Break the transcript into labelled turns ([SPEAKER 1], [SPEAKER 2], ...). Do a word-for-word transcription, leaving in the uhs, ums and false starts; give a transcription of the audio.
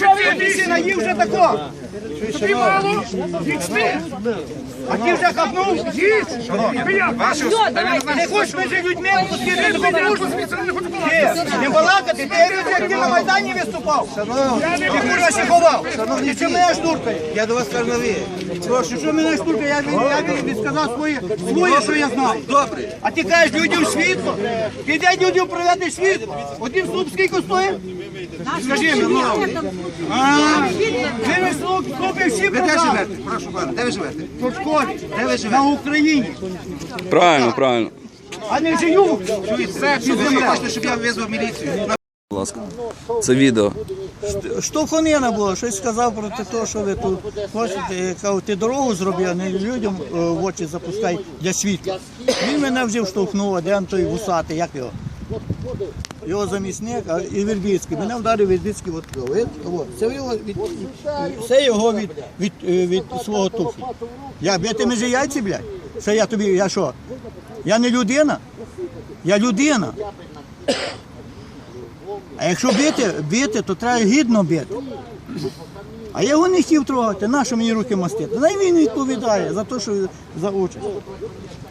[SPEAKER 1] Ти си наїв вже тако. Тобі мало? Їсти. А ти вже хапнув? Їсть. Не хочеш між людьми, пустити таку не балакати, ти як ти на Майдані виступав. Ти курва ще ховав. Ти що мене штуркає?
[SPEAKER 2] Я до вас кажу на ви.
[SPEAKER 1] Прошу, що мене штуркає? Я відсказав своє, своє, що я знаю.
[SPEAKER 2] Добре.
[SPEAKER 1] А ти кажеш людям світло? Ти де людям проведеш світло? Один слуп скільки стоїть? Скажи мені, ну. Ви слупи всі
[SPEAKER 2] Ви де
[SPEAKER 1] продали.
[SPEAKER 2] живете? Прошу пана, де ви живете?
[SPEAKER 1] В школі.
[SPEAKER 2] Де ви живете?
[SPEAKER 1] На Україні.
[SPEAKER 3] Правильно, правильно.
[SPEAKER 1] А не живу.
[SPEAKER 2] Чуєте? Що ви хочете, щоб я визвав міліцію?
[SPEAKER 3] Будь ласка. Це відео.
[SPEAKER 4] Штовханина була, щось сказав проти того, що ви тут хочете, кажу, ти дорогу зроби, а не людям е, в очі запускай для світла. Він мене вже штовхнув, а де він той вусатий, як його? Його замісник, а і Вербицький. Мене вдарив Вербицький от того. От, це його від, це його від, від, від, від свого туфлі. Я бити межі яйці, блядь? Це я тобі, я що? Я не людина? Я людина. А якщо бити, бити, то треба гідно бити. А я його не хотів трогати, нащо мені руки мастити? Най він відповідає за те, що за участь.